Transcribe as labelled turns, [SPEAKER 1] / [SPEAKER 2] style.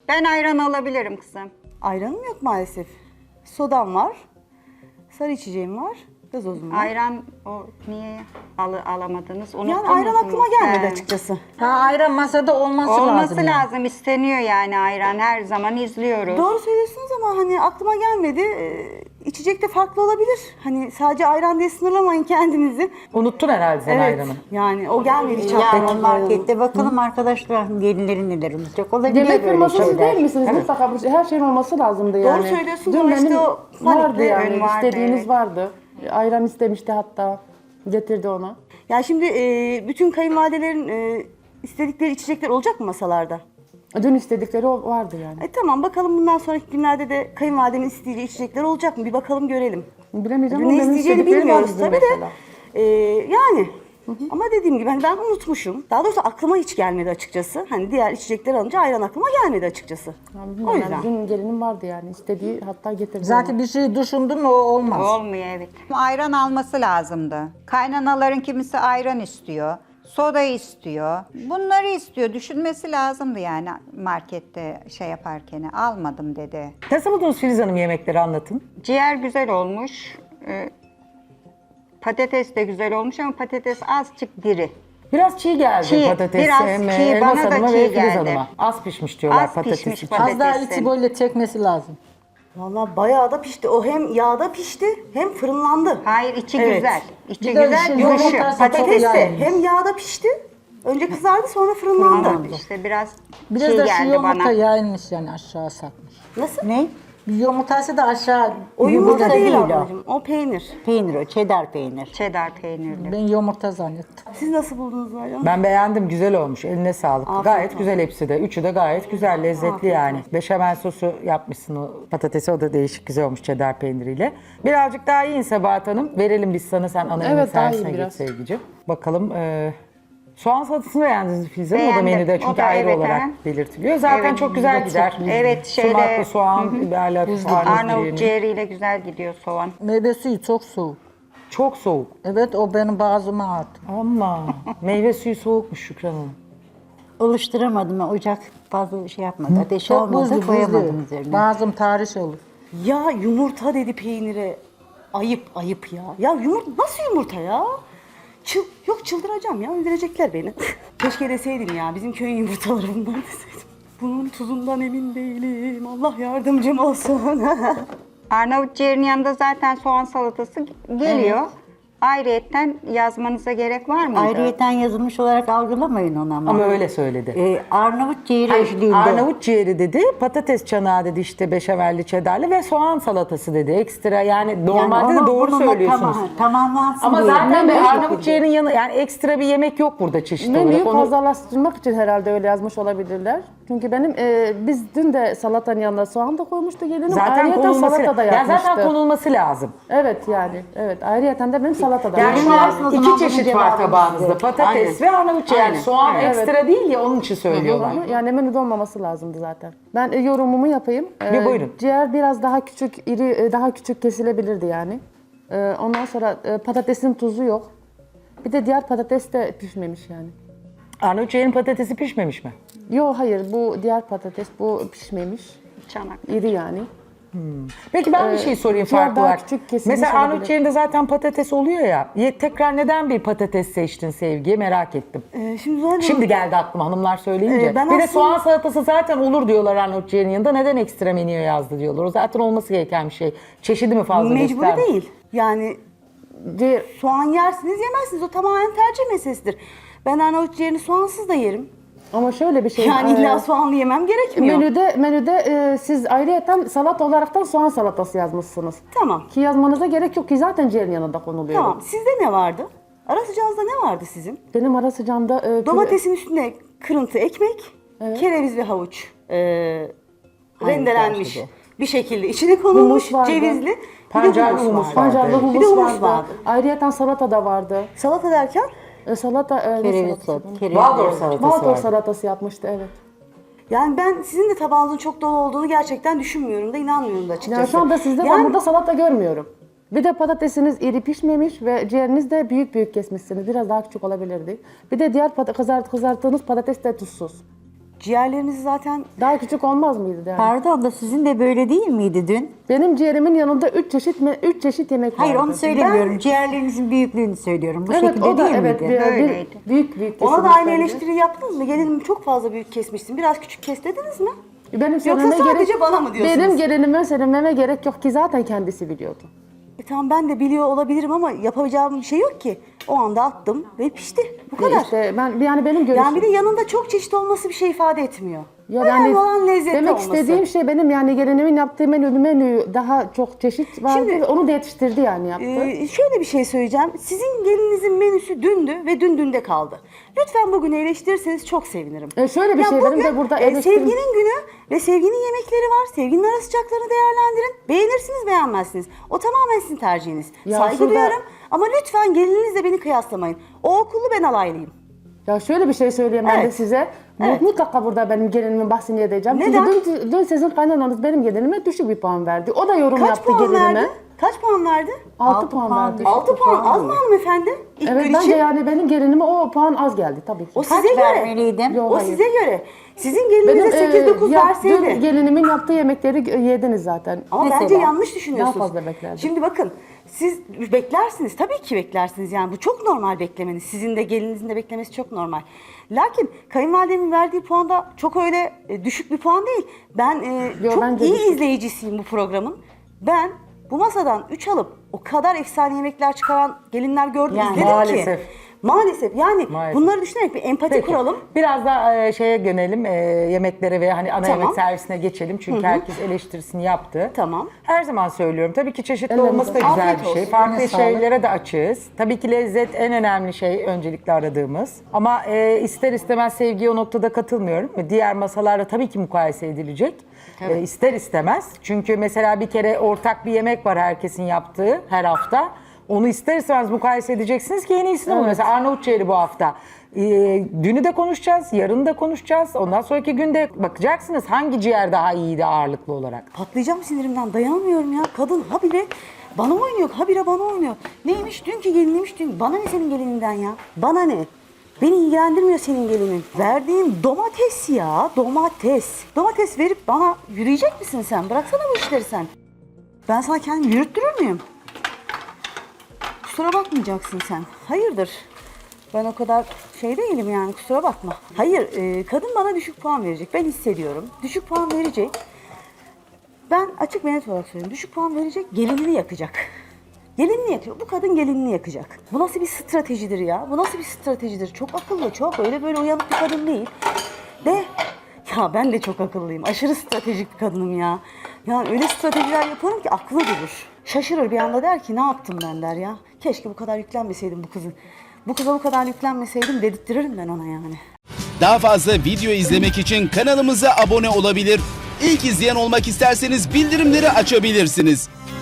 [SPEAKER 1] Ben ayran alabilirim kızım.
[SPEAKER 2] Ayranım yok maalesef. Sodam var. Sarı içeceğim var. Gazozum var.
[SPEAKER 1] Ayran o niye alamadınız?
[SPEAKER 2] Yani
[SPEAKER 1] Unuttunuz
[SPEAKER 2] ayran
[SPEAKER 1] mu?
[SPEAKER 2] aklıma gelmedi
[SPEAKER 1] He.
[SPEAKER 2] açıkçası.
[SPEAKER 3] Ha, ayran masada olması lazım.
[SPEAKER 1] Olması
[SPEAKER 3] yani.
[SPEAKER 1] lazım, isteniyor yani ayran. Her zaman izliyoruz.
[SPEAKER 2] Doğru söylüyorsunuz ama hani aklıma gelmedi. İçecek de farklı olabilir. Hani sadece ayran diye sınırlamayın kendinizi.
[SPEAKER 4] Unuttun herhalde sen
[SPEAKER 2] Evet.
[SPEAKER 4] ayranı.
[SPEAKER 2] Yani o gelmedi hiç
[SPEAKER 5] Yani
[SPEAKER 2] aklıma.
[SPEAKER 5] markette bakalım arkadaşlar gelinlerin neler unutacak olabilir
[SPEAKER 6] Yemek
[SPEAKER 5] böyle
[SPEAKER 6] firması
[SPEAKER 5] şeyler.
[SPEAKER 6] değil misiniz? Mutlaka her şeyin olması lazımdı yani.
[SPEAKER 2] söylüyorsunuz
[SPEAKER 6] Dün
[SPEAKER 2] ama işte
[SPEAKER 6] benim
[SPEAKER 2] o
[SPEAKER 6] vardı
[SPEAKER 2] panikle
[SPEAKER 6] yani.
[SPEAKER 1] ön vardı,
[SPEAKER 6] İstediğiniz
[SPEAKER 1] evet.
[SPEAKER 6] vardı. Ayran istemişti hatta. Getirdi ona.
[SPEAKER 2] Yani şimdi bütün kayınvalidelerin istedikleri içecekler olacak mı masalarda?
[SPEAKER 6] Dün istedikleri vardı yani.
[SPEAKER 2] Tamam bakalım bundan sonraki günlerde de kayınvalidemin isteyeceği içecekler olacak mı? Bir bakalım görelim.
[SPEAKER 6] Bilemeyeceğim
[SPEAKER 2] Ne
[SPEAKER 6] ama benim
[SPEAKER 2] isteyeceğini
[SPEAKER 6] istedikleri
[SPEAKER 2] bilmiyoruz
[SPEAKER 6] vardı
[SPEAKER 2] tabii
[SPEAKER 6] mesela.
[SPEAKER 2] de. Yani ama dediğim gibi hani ben unutmuşum. Daha doğrusu aklıma hiç gelmedi açıkçası. Hani diğer içecekler alınca ayran aklıma gelmedi açıkçası.
[SPEAKER 6] Yani
[SPEAKER 2] O
[SPEAKER 6] bilmiyorum,
[SPEAKER 2] yüzden.
[SPEAKER 6] Dün gelinim vardı yani. İstediği hatta getirdi
[SPEAKER 3] Zaten bir şey düşündün mü o olmaz.
[SPEAKER 1] Olmuyor evet. Ayran alması lazımdı. Kaynanaların kimisi ayran istiyor. Soda istiyor. Bunları istiyor. Düşünmesi lazımdı yani markette şey yaparken. Almadım dedi.
[SPEAKER 4] Nasıl buldunuz Filiz Hanım yemekleri anlatın.
[SPEAKER 1] Ciğer güzel olmuş. Patates de güzel olmuş ama patates azıcık diri.
[SPEAKER 4] Biraz çiğ geldi
[SPEAKER 1] Çiğ,
[SPEAKER 4] patatesi.
[SPEAKER 1] biraz
[SPEAKER 4] hem
[SPEAKER 1] çiğ,
[SPEAKER 4] Elmas
[SPEAKER 1] bana da
[SPEAKER 4] Hanım'a
[SPEAKER 1] çiğ
[SPEAKER 4] ve Filiz
[SPEAKER 1] geldi.
[SPEAKER 4] Hanım'a. Az pişmiş diyorlar
[SPEAKER 1] Az
[SPEAKER 4] patates
[SPEAKER 1] pişmiş
[SPEAKER 4] için.
[SPEAKER 1] patates.
[SPEAKER 3] Az daha
[SPEAKER 1] Patatesin.
[SPEAKER 3] içi böyle çekmesi lazım.
[SPEAKER 2] Vallahi bayağı da pişti. O hem yağda pişti hem fırınlandı.
[SPEAKER 1] Hayır içi
[SPEAKER 2] Evet.
[SPEAKER 1] güzel. İçi
[SPEAKER 3] Bir de
[SPEAKER 1] güzel,
[SPEAKER 3] şu
[SPEAKER 1] dışı.
[SPEAKER 3] yumurtası
[SPEAKER 1] Patates
[SPEAKER 3] çok
[SPEAKER 2] Patates de
[SPEAKER 3] yağlı.
[SPEAKER 2] hem yağda pişti. Önce kızardı sonra fırınlandı.
[SPEAKER 1] Tamam, işte biraz
[SPEAKER 3] Biraz
[SPEAKER 1] çiğ
[SPEAKER 3] da şu
[SPEAKER 1] geldi
[SPEAKER 3] yumurta
[SPEAKER 1] bana.
[SPEAKER 3] yayılmış yani aşağı satmış.
[SPEAKER 2] Nasıl?
[SPEAKER 5] Ne?
[SPEAKER 3] Bir yumurtası da aşağı.
[SPEAKER 2] O yumurta değil
[SPEAKER 5] değil o.
[SPEAKER 2] ablacığım. O peynir.
[SPEAKER 5] Peynir o, cheddar peynir.
[SPEAKER 1] Cheddar peynirli.
[SPEAKER 3] Ben yumurta zannettim.
[SPEAKER 2] Siz nasıl buldunuz ayranı?
[SPEAKER 4] Ben beğendim, güzel olmuş. Eline sağlık.
[SPEAKER 2] Afiyet
[SPEAKER 4] gayet
[SPEAKER 2] olsun.
[SPEAKER 4] güzel hepsi de. Üçü de gayet güzel, lezzetli
[SPEAKER 2] Afiyet
[SPEAKER 4] yani. Beşamel sosu yapmışsın o patatesi, o da değişik güzel olmuş cheddar peyniriyle. Birazcık daha yiyin Sebahat Hanım. Verelim biz sana, sen ana yemek
[SPEAKER 6] Evet, daha
[SPEAKER 4] servisine
[SPEAKER 6] iyi
[SPEAKER 4] geç
[SPEAKER 6] biraz.
[SPEAKER 4] sevgicim. Bakalım soğan salatasını beğendiniz mi Filiz Hanım? O da
[SPEAKER 1] Beğendim.
[SPEAKER 4] menüde
[SPEAKER 1] O
[SPEAKER 4] çünkü
[SPEAKER 1] da
[SPEAKER 4] ayrı
[SPEAKER 1] evet,
[SPEAKER 4] olarak
[SPEAKER 1] aha.
[SPEAKER 4] belirtiliyor. Zaten
[SPEAKER 1] Evet,
[SPEAKER 4] çok güzel gider.
[SPEAKER 1] Evet, şeyle-
[SPEAKER 4] Sumaklı soğan, biberler,
[SPEAKER 1] Arnavut ciğeriyle güzel gidiyor soğan.
[SPEAKER 3] Meyve suyu çok soğuk.
[SPEAKER 4] Çok soğuk.
[SPEAKER 3] Evet o benim boğazıma attı.
[SPEAKER 4] Ama meyve suyu soğukmuş Şükran Hanım.
[SPEAKER 5] Oluşturamadım. Ocak fazla şey yapmadı. Ateş
[SPEAKER 3] Çok
[SPEAKER 5] almadı.
[SPEAKER 3] buzlu
[SPEAKER 5] Koyamadım
[SPEAKER 3] buzlu.
[SPEAKER 5] üzerine.
[SPEAKER 3] Boğazım tahriş olur.
[SPEAKER 2] Ya yumurta dedi peynire. Ayıp ayıp ya. Ya yumurta nasıl yumurta ya? Yok çıldıracağım ya öldürecekler beni. Keşke deseydim ya bizim köyün yumurtaları bunlar deseydim. Bunun tuzundan emin değilim. Allah yardımcım olsun.
[SPEAKER 1] Arnavut ciğerinin yanında zaten soğan salatası geliyor. Ayrıyetten yazmanıza gerek var mıydı?
[SPEAKER 5] Ayrıyeten yazılmış olarak algılamayın onu ama.
[SPEAKER 4] Ama öyle söyledi.
[SPEAKER 5] Arnavut ciğeri
[SPEAKER 4] Hayır,
[SPEAKER 5] eşliğinde.
[SPEAKER 4] Arnavut ciğeri dedi, patates çanağı dedi, işte beşamelli çedarlı ve soğan salatası dedi. Ekstra yani normalde de
[SPEAKER 5] onu
[SPEAKER 4] doğru
[SPEAKER 5] bununla
[SPEAKER 4] söylüyorsunuz.
[SPEAKER 5] Tamamlansın
[SPEAKER 4] Ama
[SPEAKER 5] diye.
[SPEAKER 4] zaten
[SPEAKER 5] Ben
[SPEAKER 4] bir
[SPEAKER 5] öyle
[SPEAKER 4] Arnavut
[SPEAKER 5] yapıyorum.
[SPEAKER 4] ciğerinin yanı yani ekstra bir yemek yok burada çeşit
[SPEAKER 6] Menüyü
[SPEAKER 4] olarak. Onu
[SPEAKER 6] fazlalaştırmak için herhalde öyle yazmış olabilirler. Çünkü benim biz dün de salatanın yanına soğan da koymuştu gelinim.
[SPEAKER 4] zaten
[SPEAKER 6] Ayrıyeten
[SPEAKER 4] konulması
[SPEAKER 6] salata da
[SPEAKER 4] ya
[SPEAKER 6] yapmıştı.
[SPEAKER 4] zaten konulması lazım.
[SPEAKER 6] Evet yani. Evet. Ayrıyeten de benim salata da
[SPEAKER 4] Yani
[SPEAKER 6] yapmıştı.
[SPEAKER 4] şu an
[SPEAKER 5] Versin o zaman
[SPEAKER 4] iki
[SPEAKER 5] bunun
[SPEAKER 4] çeşit var
[SPEAKER 5] cevabını
[SPEAKER 4] tabağınızda.
[SPEAKER 5] size.
[SPEAKER 4] Patates
[SPEAKER 2] Aynen.
[SPEAKER 4] ve Arnavut ciğeri. Yani
[SPEAKER 2] Aynen.
[SPEAKER 4] soğan
[SPEAKER 6] Evet.
[SPEAKER 4] ekstra değil ya onun için söylüyorlar.
[SPEAKER 6] Yani menüde olmaması lazımdı zaten. Ben yorumumu yapayım.
[SPEAKER 4] Bir buyurun.
[SPEAKER 6] Ciğer biraz daha küçük, iri, daha küçük kesilebilirdi yani. Ondan sonra patatesin tuzu yok. Bir de diğer patates de pişmemiş yani.
[SPEAKER 4] Arnavut ciğerin patatesi pişmemiş mi?
[SPEAKER 6] Yok hayır bu diğer patates bu pişmemiş.
[SPEAKER 1] Çanak.
[SPEAKER 6] İri yani.
[SPEAKER 4] Peki ben bir şey sorayım
[SPEAKER 6] ciğer
[SPEAKER 4] farklı
[SPEAKER 6] daha
[SPEAKER 4] olarak.
[SPEAKER 6] küçük kesilmiş
[SPEAKER 4] Mesela Arnavut
[SPEAKER 6] olabilir.
[SPEAKER 4] ciğerinde zaten patates oluyor ya. Tekrar neden bir patates seçtin Sevgi? Merak ettim.
[SPEAKER 2] Şimdi zaten
[SPEAKER 4] Şimdi geldi aklıma hanımlar söyleyince.
[SPEAKER 2] Ben
[SPEAKER 4] bir de
[SPEAKER 2] aslında-
[SPEAKER 4] soğan salatası zaten olur diyorlar Arnavut ciğerinin yanında. Neden ekstra menüye yazdı diyorlar. O zaten olması gereken bir şey. Çeşidi mi fazla
[SPEAKER 2] mecburi
[SPEAKER 4] gösterdi?
[SPEAKER 2] değil. Yani
[SPEAKER 6] Ciğer,
[SPEAKER 2] soğan yersiniz yemezsiniz. O tamamen tercih meselesidir. Ben Arnavut ciğerini soğansız da yerim.
[SPEAKER 6] ama şöyle bir şey.
[SPEAKER 2] Yani illa soğanlı yemem gerekmiyor.
[SPEAKER 6] Menüde siz ayrıyeten salat olaraktan soğan salatası yazmışsınız.
[SPEAKER 2] Tamam.
[SPEAKER 6] Ki yazmanıza gerek yok ki zaten ciğerin yanında konuluyor.
[SPEAKER 2] Tamam. Sizde ne vardı? Ara sıcağınızda ne vardı sizin?
[SPEAKER 6] Benim ara sıcağımda
[SPEAKER 2] Domatesin üstüne kırıntı ekmek, kereviz ve havuç rendelenmiş
[SPEAKER 5] karşıda.
[SPEAKER 2] bir şekilde içine konulmuş,
[SPEAKER 6] Humus vardı.
[SPEAKER 2] cevizli. Bir de
[SPEAKER 4] Pancarlı
[SPEAKER 2] humus
[SPEAKER 4] humus
[SPEAKER 2] vardı.
[SPEAKER 6] pancarlı
[SPEAKER 4] Evet.
[SPEAKER 6] humus,
[SPEAKER 2] Bir de humus
[SPEAKER 6] vardı.
[SPEAKER 2] vardı.
[SPEAKER 6] Ayrıyeten salata da vardı.
[SPEAKER 2] Salata derken
[SPEAKER 6] Salata ne
[SPEAKER 5] Kereviz
[SPEAKER 6] salatası?
[SPEAKER 5] kereviz.
[SPEAKER 4] Waldorf salatası
[SPEAKER 6] Waldorf
[SPEAKER 4] vardı.
[SPEAKER 6] salatası yapmıştı evet.
[SPEAKER 2] yani ben sizin de tabağınızın çok dolu olduğunu gerçekten düşünmüyorum da inanmıyorum da açıkçası.
[SPEAKER 6] Yani şu anda sizde ben
[SPEAKER 2] Yani
[SPEAKER 6] burada salata görmüyorum. Bir de patatesiniz iri pişmemiş ve ciğeriniz de büyük büyük kesmişsiniz. Biraz daha küçük olabilirdi. Bir de diğer kızarttığınız patates de tuzsuz.
[SPEAKER 2] Ciğerlerimiz zaten
[SPEAKER 6] Daha küçük olmaz mıydı yani?
[SPEAKER 5] Pardon da sizin de böyle değil miydi dün?
[SPEAKER 6] Benim ciğerimin yanında 3 çeşit yemek
[SPEAKER 5] Hayır
[SPEAKER 6] vardı.
[SPEAKER 5] onu söylemiyorum. Ciğerlerinizin büyüklüğünü söylüyorum. Bu
[SPEAKER 6] Evet
[SPEAKER 5] şekilde
[SPEAKER 6] o da
[SPEAKER 5] değil
[SPEAKER 6] evet
[SPEAKER 5] miydi?
[SPEAKER 6] büyük
[SPEAKER 2] ona
[SPEAKER 6] kesilmiş
[SPEAKER 2] da aynı
[SPEAKER 6] bence.
[SPEAKER 2] eleştiri yaptınız mı? Gelinim çok fazla büyük kesmişsin. Biraz küçük kes dediniz mi?
[SPEAKER 6] Benim
[SPEAKER 2] Yoksa
[SPEAKER 6] söylememe
[SPEAKER 2] sadece bana mı diyorsunuz?
[SPEAKER 6] Benim gelinime söylememe gerek yok ki zaten kendisi biliyordu.
[SPEAKER 2] Tamam ben de biliyor olabilirim ama yapabileceğim bir şey yok ki. O anda attım ve pişti. Bu kadar.
[SPEAKER 6] İşte ben yani benim görüşüm.
[SPEAKER 2] Yani bir de yanında çok çeşit olması bir şey ifade etmiyor.
[SPEAKER 6] Ya
[SPEAKER 2] Önemli olan lezzetli
[SPEAKER 6] demek
[SPEAKER 2] olması.
[SPEAKER 6] istediğim şey benim yani gelinimin yaptığı menü daha çok çeşit vardı
[SPEAKER 2] Şimdi,
[SPEAKER 6] ve onu da yetiştirdi yani yaptı.
[SPEAKER 2] Şöyle bir şey söyleyeceğim. Sizin gelinizin menüsü dündü ve dünde kaldı. Lütfen bugün eleştirirseniz çok sevinirim.
[SPEAKER 6] Şöyle bir şey benim de burada eleştirim-
[SPEAKER 2] Sevginin günü ve sevginin yemekleri var. Sevginin ara sıcaklarını değerlendirin. Beğenirsiniz beğenmezsiniz. O tamamen sizin tercihiniz.
[SPEAKER 6] Ya
[SPEAKER 2] Saygı
[SPEAKER 6] şurada-
[SPEAKER 2] duyarım ama lütfen gelininizle beni kıyaslamayın. O okullu ben alaylıyım.
[SPEAKER 6] Ya şöyle bir şey söyleyeyim ben de
[SPEAKER 2] Evet.
[SPEAKER 6] size.
[SPEAKER 2] Evet.
[SPEAKER 6] Mutlaka burada benim gelinimin bahsini edeceğim.
[SPEAKER 2] Neden?
[SPEAKER 6] Çünkü dün sizin kaynananız benim gelinime düşük bir puan verdi. O da yorum
[SPEAKER 2] Kaç
[SPEAKER 6] yaptı
[SPEAKER 2] puan
[SPEAKER 6] gelinime.
[SPEAKER 2] verdi? Kaç puan verdi?
[SPEAKER 6] 6 puan verdi.
[SPEAKER 2] 6 puan. Az mı hanımefendi? İlk
[SPEAKER 6] Evet
[SPEAKER 2] gün
[SPEAKER 6] bence
[SPEAKER 2] için.
[SPEAKER 6] yani benim gelinime o puan az geldi tabii ki.
[SPEAKER 2] O
[SPEAKER 5] Kaç
[SPEAKER 2] size göre.
[SPEAKER 5] vermeliydim?
[SPEAKER 6] Yok,
[SPEAKER 2] O
[SPEAKER 6] hayır.
[SPEAKER 2] size göre. Sizin gelinize 8-9
[SPEAKER 6] dün
[SPEAKER 2] verseydi.
[SPEAKER 6] gelinimin yaptığı yemekleri yediniz zaten.
[SPEAKER 2] Ama
[SPEAKER 5] Mesela?
[SPEAKER 2] bence yanlış düşünüyorsunuz.
[SPEAKER 6] Daha fazla beklerdim.
[SPEAKER 2] Şimdi bakın siz beklersiniz. Tabii ki beklersiniz. Yani bu çok normal beklemeniz. Sizin de gelinizin de beklemesi çok normal. Lakin kayınvalidemin verdiği puan da çok öyle düşük bir puan değil. Ben çok
[SPEAKER 6] bence
[SPEAKER 2] iyi
[SPEAKER 6] düşük.
[SPEAKER 2] izleyicisiyim bu programın. Ben bu masadan 3 alıp o kadar efsane yemekler çıkaran gelinler gördüm,
[SPEAKER 5] Yani
[SPEAKER 2] izledim
[SPEAKER 4] maalesef.
[SPEAKER 2] ki. Maalesef. Yani
[SPEAKER 4] Maalesef.
[SPEAKER 2] bunları düşünerek bir empati
[SPEAKER 4] Peki,
[SPEAKER 2] kuralım.
[SPEAKER 4] biraz da şeye yönelim, yemeklere ve hani ana
[SPEAKER 2] Tamam.
[SPEAKER 4] yemek servisine geçelim. Çünkü herkes eleştirisini yaptı.
[SPEAKER 2] Tamam.
[SPEAKER 4] Her zaman söylüyorum. Tabii ki çeşitli
[SPEAKER 6] Ellerinize
[SPEAKER 4] olması da
[SPEAKER 2] sağlık.
[SPEAKER 4] güzel
[SPEAKER 2] Afiyet
[SPEAKER 4] bir şey.
[SPEAKER 2] olsun.
[SPEAKER 4] Farklı
[SPEAKER 3] Eline sağlık.
[SPEAKER 4] şeylere de açığız. Tabii ki lezzet en önemli şey, öncelikle aradığımız. Ama ister istemez sevgiye o noktada katılmıyorum. Diğer masalarla tabii ki mukayese edilecek. İster istemez. Çünkü mesela bir kere ortak bir yemek var herkesin yaptığı her hafta. Onu ister istemez mukayese edeceksiniz ki en iyisini olur. Mesela Arnavut ciğeri bu hafta. Dünü de konuşacağız, yarını da konuşacağız. Ondan sonraki günde bakacaksınız hangi ciğer daha iyiydi ağırlıklı olarak.
[SPEAKER 2] Patlayacağım sinirimden, dayanamıyorum ya. Kadın habire bana oynuyor, habire bana oynuyor. Neymiş dünkü geliniymiş dün. Bana ne senin gelininden ya? Bana ne? Beni ilgilendirmiyor senin gelinin. Verdiğin domates ya, domates. Domates verip bana yürüyecek misin sen? Bıraksana bu işleri sen. Ben sana kendimi yürüttürür müyüm? Kusura bakmayacaksın sen. Hayırdır? Ben o kadar şey değilim yani, kusura bakma. Hayır, kadın bana düşük puan verecek. Ben hissediyorum. Düşük puan verecek. Ben açık ve net olarak söylüyorum. Düşük puan verecek, gelinini yakacak. Gelinini yakıyor. Bu kadın gelinini yakacak. Bu nasıl bir stratejidir ya? Bu nasıl bir stratejidir? Çok akıllı, çok öyle böyle uyanık bir kadın değil. De ya ben de çok akıllıyım. Aşırı stratejik bir kadınım ya. Yani öyle stratejiler yaparım ki aklı durur. Şaşırır bir anda, der ki ne yaptım ben, der ya. Keşke bu kadar yüklenmeseydim bu kızın. Bu kıza bu kadar yüklenmeseydim dedirtirim ben ona yani.
[SPEAKER 7] Daha fazla video izlemek için kanalımıza abone olabilir. İlk izleyen olmak isterseniz bildirimleri açabilirsiniz.